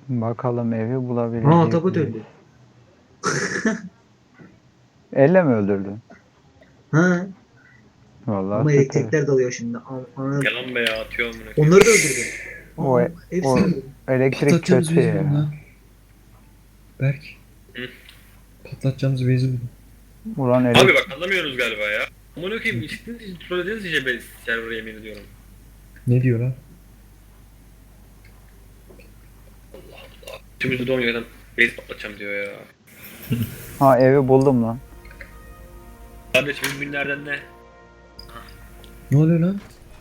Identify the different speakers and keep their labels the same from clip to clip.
Speaker 1: Bakalım evi
Speaker 2: Aa,
Speaker 1: bulabilecek
Speaker 2: Atabut
Speaker 1: miyiz?
Speaker 2: öldü.
Speaker 1: Elle mi öldürdün?
Speaker 2: Ha,
Speaker 1: Vallahi
Speaker 2: ama
Speaker 1: süper.
Speaker 2: elektrikler dalıyor şimdi.
Speaker 3: Yalan be ya, atıyor amına koyayım.
Speaker 2: Onları da öldürdüm.
Speaker 1: O,
Speaker 2: Aa, hepsini
Speaker 1: o
Speaker 2: öldürdüm.
Speaker 1: elektrik
Speaker 4: Patlatacağımız
Speaker 1: kötü
Speaker 4: base'i buldum
Speaker 1: ya.
Speaker 4: lan. Berk.
Speaker 3: Hı.
Speaker 4: Patlatacağımız base'i buldum.
Speaker 1: Ulan
Speaker 3: Abi bak, anlamıyoruz galiba ya. Amına koyayım, çıktınız trollediniz iyice be server'a, yemin ediyorum.
Speaker 4: Ne diyor lan?
Speaker 3: Tümüzde doğmuyor adam. Base patlatacağım diyor ya.
Speaker 1: Ha, evi buldum lan.
Speaker 3: Kardeşim günlerden ne?
Speaker 4: Ne oluyor lan?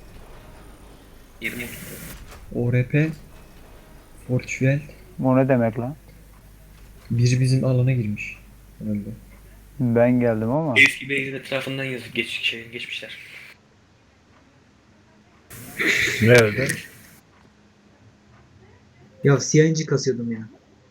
Speaker 3: 20.
Speaker 4: ORP. Fortuel.
Speaker 1: O ne demek lan?
Speaker 4: Biri bizim alana girmiş. Herhalde.
Speaker 1: Ben geldim ama.
Speaker 3: Eski base'in etrafından yazıp geçmişler.
Speaker 5: Nerede?
Speaker 2: Ya CNG kasıyordum ya.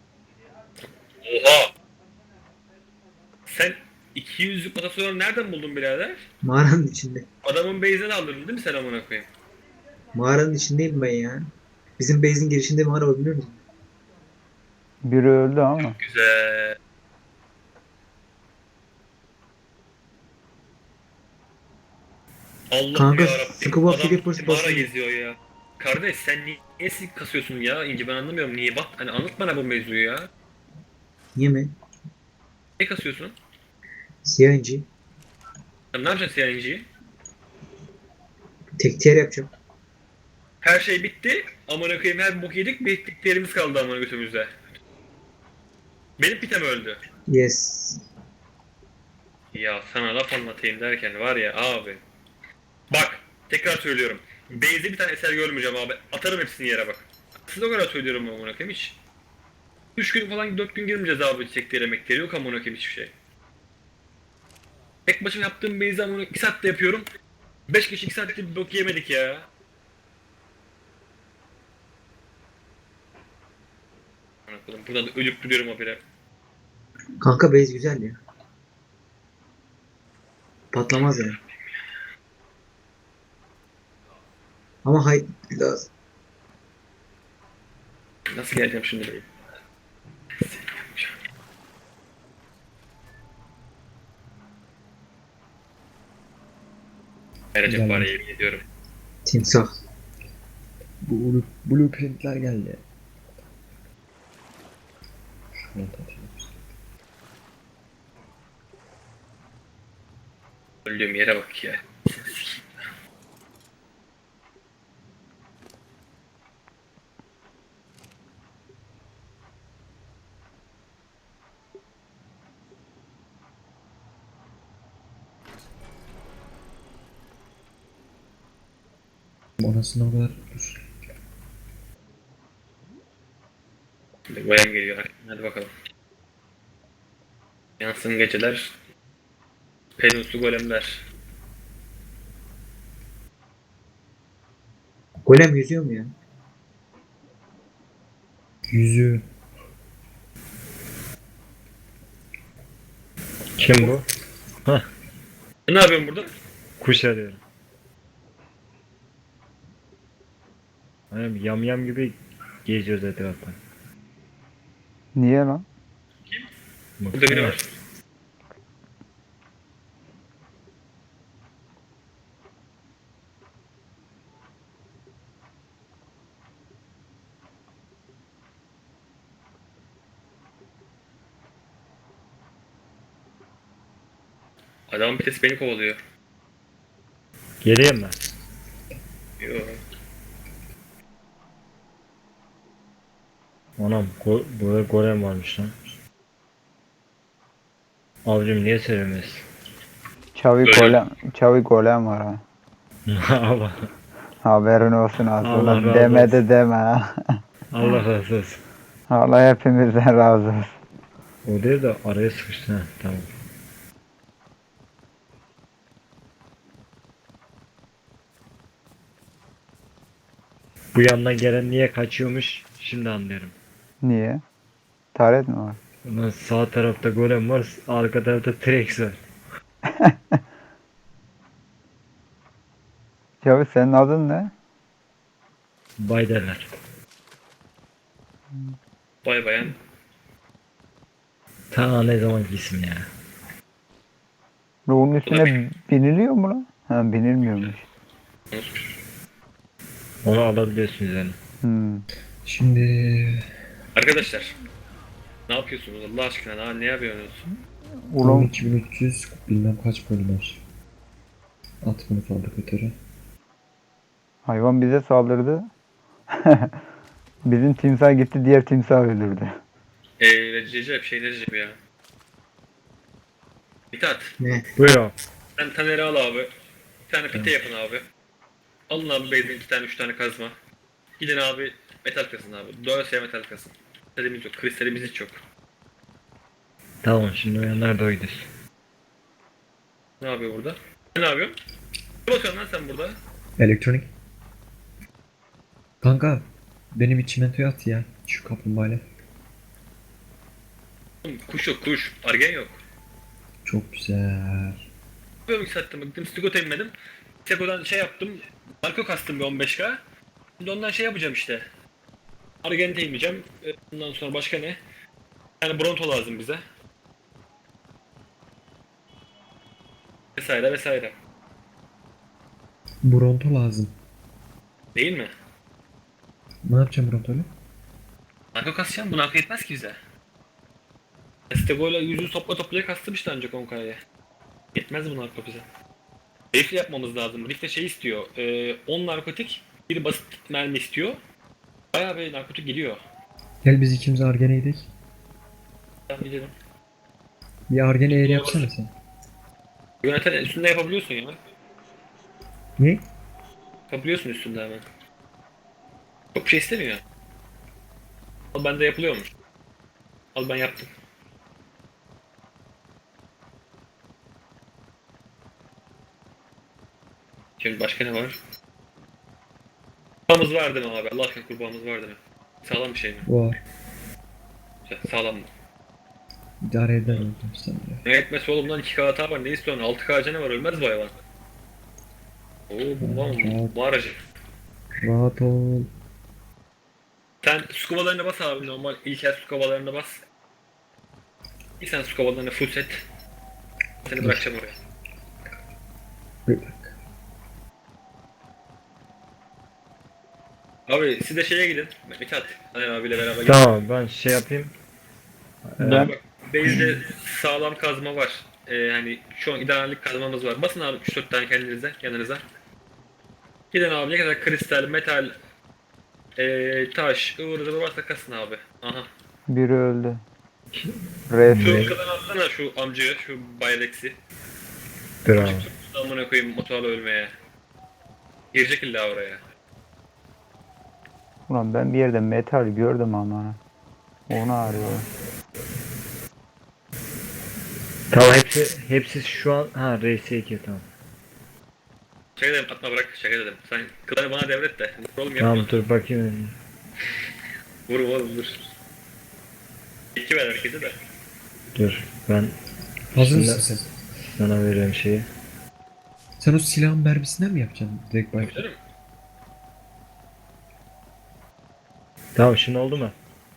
Speaker 3: Oha! Sen 200'lük matasoru nereden buldun birader?
Speaker 2: Mağaranın içinde.
Speaker 3: Adamın base'den aldırdın değil mi sen, amına koyayım?
Speaker 2: Mağaranın içindeyim ben ya. Bizim base'in girişinde mağara var, biliyor musun?
Speaker 1: Biri öldü ama.
Speaker 3: Güzel. Allah'ım
Speaker 2: Kanka,
Speaker 3: yarabbim.
Speaker 2: Scuba
Speaker 3: Adam
Speaker 2: Flippers
Speaker 3: mağara
Speaker 2: basıyor.
Speaker 3: geziyor ya. Kardeş sen niye sik kasıyorsun ya? İnce, ben anlamıyorum niye. Bak hani, anlat bana bu mevzuyu ya.
Speaker 2: Niye mi?
Speaker 3: Ne kasıyorsun?
Speaker 2: CNG.
Speaker 3: Sen ne yapacaksın CNG'yi?
Speaker 2: Tek tier yapacağım.
Speaker 3: Her şey bitti. Amına koyayım, her bok yedik. Bittiklerimiz kaldı amına götümüzde. Benim pitem öldü.
Speaker 2: Yes.
Speaker 3: Ya sana laf anlatayım derken var ya abi. Bak tekrar söylüyorum. Base'de bir tane eser görmeyeceğim abi. Atarım hepsini yere bak. Size o kadar söylüyorum amına koyayım hiç. 3 gün falan 4 gün girmeyeceğiz abi, çektiği emekleri yok amına koyayım hiçbir şey. Tek başıma yaptığım base'i amına 2 saatte yapıyorum. 5 kişi 2 saatte bir bok yemedik ya. Amına koyayım, buradan da ölüp duruyorum habire.
Speaker 2: Kanka, base güzel ya. Patlamaz yani. Ama hay lazım.
Speaker 3: Nasıl geleceğim şimdi buraya? Vereceğim
Speaker 4: Güzel.
Speaker 3: bari, yemin ediyorum.
Speaker 2: Timsah.
Speaker 4: Bu blueprintler geldi. Şunu taşıyalım.
Speaker 3: Öldüğüm yere bak ya.
Speaker 4: Anasını o kadar dur.
Speaker 3: Şimdi Bayam geliyor. Hadi bakalım. Yansın geceler. Penuslu golemler.
Speaker 2: Golem yüzüyor mu ya?
Speaker 4: Yüzüğü.
Speaker 5: Kim bu?
Speaker 3: Ne yapıyorsun burada?
Speaker 5: Kuş arıyorum. Hani yam gibi geziyoruz etrafta.
Speaker 1: Niye lan?
Speaker 3: Burada biri var. Adamın pitesi beni kovalıyor.
Speaker 5: Geleyim mi?
Speaker 3: Yo.
Speaker 5: Anam burada golem varmış lan. Avcım niye söylemez?
Speaker 1: Çavi golem var ha.
Speaker 5: Allah,
Speaker 1: Haberin olsun az.
Speaker 5: Allah
Speaker 1: Ulan
Speaker 5: razı
Speaker 1: demedi
Speaker 5: olsun.
Speaker 1: deme ha.
Speaker 5: Allah razı olsun.
Speaker 1: Allah hepimizden razı olsun.
Speaker 5: O değil de araya sıkıştı, ha tamam. Bu yandan gelen niye kaçıyormuş şimdi anlıyorum.
Speaker 1: Niye? Taret mi var?
Speaker 5: Ulan sağ tarafta golem var, arka tarafta T-Rex var.
Speaker 1: Çavi, senin adın ne?
Speaker 5: Bay derler.
Speaker 3: Bay bayan.
Speaker 5: Ta ne zaman gitsin ya.
Speaker 1: Ruhun üstüne biniliyor mu lan? Ha, binilmiyormuş.
Speaker 5: Onu alabiliyorsun üzerine.
Speaker 4: Şimdi
Speaker 3: Arkadaşlar. Ne yapıyorsunuz Allah aşkına? Ne yapıyorsunuz?
Speaker 1: Ulan
Speaker 4: 12300 bilmem kaç polimer. At bunu fabrikatöre.
Speaker 1: hayvan bize saldırdı. Bizim timsah gitti, diğer timsah öldürdü.
Speaker 3: Recep şey ne Recep ya? Mithat.
Speaker 2: Ne?
Speaker 5: Buyur abi.
Speaker 3: Sen Taner'i al abi. Bir tane pite yapın abi. Alın abi base'den 2 tane 3 tane kazma. Gidin abi metal kasın abi. Dolayısıyla metal kasın. Kristalimiz yok. Kristalimiz hiç yok.
Speaker 5: Tamam şimdi uyanlar da oydur.
Speaker 3: Ne yapıyor burada? Ne yapıyorsun? Ne bakıyorsun lan sen burada?
Speaker 4: Elektronik. Kanka benim bir çimentoya at ya. Şu kaplumbağayla.
Speaker 3: Oğlum, kuş yok kuş. Argen yok.
Speaker 4: Çok güzel.
Speaker 3: Böyle sattım. Gittim Stigo'ta inmedim. Stigo'dan şey yaptım. Marco kastım bir 15k. Şimdi ondan şey yapacağım işte. Argen'e inmeyeceğim. Ondan sonra başka ne? Yani Bronto lazım bize. Vesaire vesaire.
Speaker 4: Bronto lazım.
Speaker 3: Değil mi?
Speaker 4: Ne yapacağım Bronto'yla?
Speaker 3: Narko kasacağım. Bu narko yetmez ki bize. Stego'yla yüzü toplaya kastım işte ancak 10k'ya. Yetmez bu narko bize. Riffle yapmamız lazım. Riffle şey istiyor. 10 narkotik, bir basit mermi istiyor. Bayağı bir narkotik geliyor.
Speaker 4: Gel biz ikimiz Argen'e gidelim.
Speaker 3: Ben bilirim.
Speaker 4: Bir Argen'e eğri yapsana sen.
Speaker 3: Yöneten üstünde yapabiliyorsun ya.
Speaker 4: Ne?
Speaker 3: Yapabiliyorsun üstünde hemen. Çok bir şey istemiyor. Al bende yapılıyormuş. Al ben yaptım. Şimdi başka ne var? Kurbağamız var değil mi abi? Allah aşkına kurbağamız var değil mi? Sağlam bir şey mi?
Speaker 4: Var.
Speaker 3: Güzel, sağlam mı?
Speaker 4: İdare eder oldum sen de.
Speaker 3: Ne etmesi oğlum lan 2K hata var ne istiyorsun? 6K canı var ölmez bu hayvan. Oo bu
Speaker 4: Rahat.
Speaker 3: bu aracı.
Speaker 4: Rahat ol.
Speaker 3: Sen su kovalarına bas abi normal ilkel su kovalarına bas. Bir sen su kovalarına full set. Seni bırakacağım oraya.
Speaker 4: Bir dakika.
Speaker 3: Abi siz de şeye gidin. Mithat. Taner abiyle beraber gidin.
Speaker 5: Tamam ben şey yapayım.
Speaker 1: Ben
Speaker 3: Bak base'de sağlam kazma var. Hani şu an idarelik kazmamız var. Basın abi 3-4 tane kendinize yanınıza. Gidin abi ne kadar kristal, metal, taş, ıvır zıvır varsa kasın abi. Aha.
Speaker 1: biri öldü.
Speaker 3: Şu
Speaker 1: Res.
Speaker 3: kadar atsana şu amcayı, şu Bayrex'i.
Speaker 5: Dur abi.
Speaker 3: Amına koyayım motorla ölmeye. Girecek illa oraya.
Speaker 1: Ulan ben bir yerde metal gördüm ama. Onu arıyorum.
Speaker 5: Tamam hepsi şu an ha RS2 tamam.
Speaker 3: Şaka dedim atma bırak şaka dedim. Sen kıları bana devret de. Vur oğlum yapma.
Speaker 5: Tamam dur bakayım.
Speaker 3: Vur oğlum vur. İki ver herkese de.
Speaker 5: Dur ben
Speaker 4: Hazır
Speaker 5: Şimdi-
Speaker 4: mısın sen?
Speaker 5: sana veriyorum şeyi.
Speaker 4: Sen o silahın mermisinden mi yapacaksın? Direkt bak.
Speaker 3: Güzel mi?
Speaker 5: Tamam şimdi oldu mu?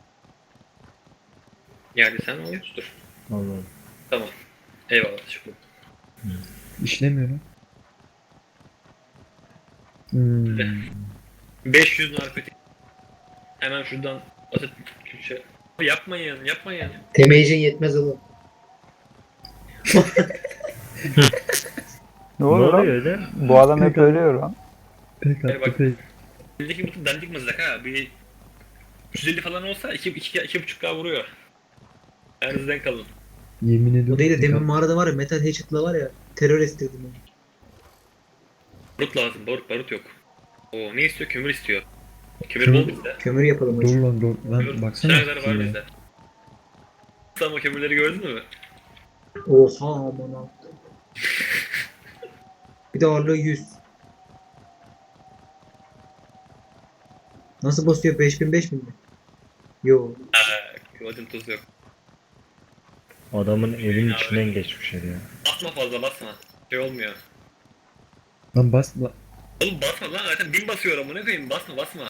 Speaker 3: Yani sen olmuştur.
Speaker 5: Oldu oldu.
Speaker 3: Tamam. Eyvallah teşekkür ederim.
Speaker 4: İşlemiyor lan.
Speaker 3: 500 narkotik. Hemen şuradan atıp Türkçe. Yapmayın yapmayın.
Speaker 2: Temeyicin yetmez oğlum.
Speaker 1: Ne
Speaker 5: Ne
Speaker 1: oluyor
Speaker 5: oluyor
Speaker 1: lan?
Speaker 5: öyle?
Speaker 1: Bu adam hep ölüyor lan.
Speaker 4: Pek
Speaker 3: Bak.
Speaker 4: attı pek.
Speaker 3: Bildeki mutlu dandik mızrak ha. Bir 350 falan olsa 2,5K vuruyor. Elinizden kalın.
Speaker 4: Yemin ediyorum.
Speaker 2: O değil de
Speaker 4: pek
Speaker 2: demin
Speaker 4: attı.
Speaker 2: mağarada var ya Metal Hatchet'la var ya terör estirdim onu.
Speaker 3: Barut lazım. Barut yok. Oo ne istiyor? Kömür istiyor. Kömür
Speaker 4: Kömür-
Speaker 3: bol bizde.
Speaker 2: Kömür yapalım
Speaker 4: Dur
Speaker 2: hacı.
Speaker 4: lan dur.
Speaker 3: Kömür
Speaker 4: Lan baksana.
Speaker 3: şeyler var
Speaker 4: şuraya.
Speaker 3: bizde. Sen o kömürleri gördün mü?
Speaker 2: Oha aman ha. Bir de ağırlığı 100. Nasıl basıyor? 5000 mi? Yo.
Speaker 3: Kıvacın tuzu yok.
Speaker 5: Adamın evin içinden geçmiş ya.
Speaker 3: Basma fazla basma. Şey olmuyor.
Speaker 4: Lan bas lan.
Speaker 3: Oğlum basma lan zaten 1000 basıyor amına koyayım basma basma.